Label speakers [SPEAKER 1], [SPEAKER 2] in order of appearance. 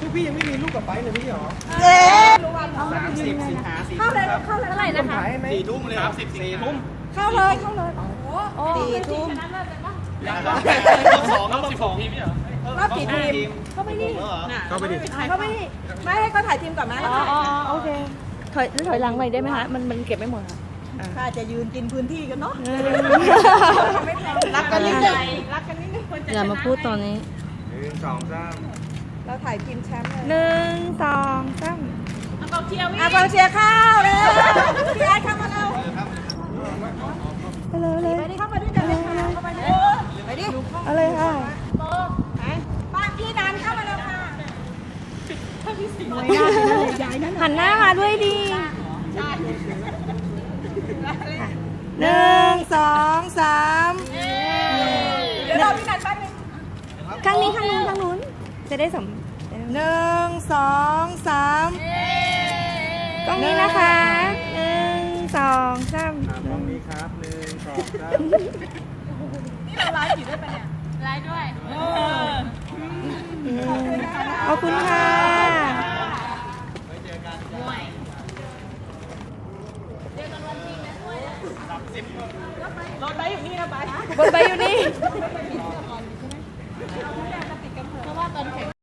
[SPEAKER 1] พวกพี่ยังไม่มีลูกกับไปเลยพี่หรอ
[SPEAKER 2] เย้
[SPEAKER 1] 30 สิงหา
[SPEAKER 2] เข้าเลยเข้าเลย
[SPEAKER 3] เท่าไหร่นะคะ
[SPEAKER 1] 4 ทุ่มเลย4 ทุ่ม
[SPEAKER 2] เข้าเลยเข้าเลย
[SPEAKER 3] โอ้
[SPEAKER 2] 4 ทุ่ม
[SPEAKER 1] ยังรอบ2รอบ12ทีมเหรอ
[SPEAKER 2] รอบกี่ทีม
[SPEAKER 3] เข้าไปดิ
[SPEAKER 1] เข้าไปดิ
[SPEAKER 2] เข้าไปดิไม่ให้เขาถ่ายทีมก่อนไหม
[SPEAKER 3] อ๋อโอเคถอยหลังไปได้ไหมคะมันเก็บไม่หมดค่ะ
[SPEAKER 2] ถ้าจะยืนกินพื้นที่กันเนาะรักกันนิดนึงรักกันนิดนึง
[SPEAKER 3] อย่ามาพูดตอนนี้
[SPEAKER 1] 1 2 3
[SPEAKER 2] เราถ่ายทีมแชมป์เลย
[SPEAKER 3] 1 2 3
[SPEAKER 2] กองเชียร์เข้าเลยพี่ไอ้เข้ามาเรา
[SPEAKER 3] ไปเลยเลย
[SPEAKER 2] ไปดิเข้ามาด้วยกันเลยค่ะเข้ามาดิไปดิ
[SPEAKER 3] เอาเลยค่ะ
[SPEAKER 2] ไปบ้านพี่นันเข้ามาแล้วค่ะ
[SPEAKER 3] หันหน้ามาด้วยดี
[SPEAKER 2] 1 2 3
[SPEAKER 3] 1
[SPEAKER 2] เดี๋ยวเราพี่นันแป๊บนึง
[SPEAKER 3] ข้างนี้ข้างนู้นจะได้สม
[SPEAKER 2] 1 2 3
[SPEAKER 3] กล้องนี้นะคะ1 2 3
[SPEAKER 1] ตรงนี้ครับ1 2 3
[SPEAKER 2] นี่เราไลฟ์อยู่ด้วยปะเนี่ยไลฟ์ด้วย
[SPEAKER 3] ขอบคุณค่ะ
[SPEAKER 2] รถไปอยู่นี่นะไป
[SPEAKER 3] บนใบอยู่นี่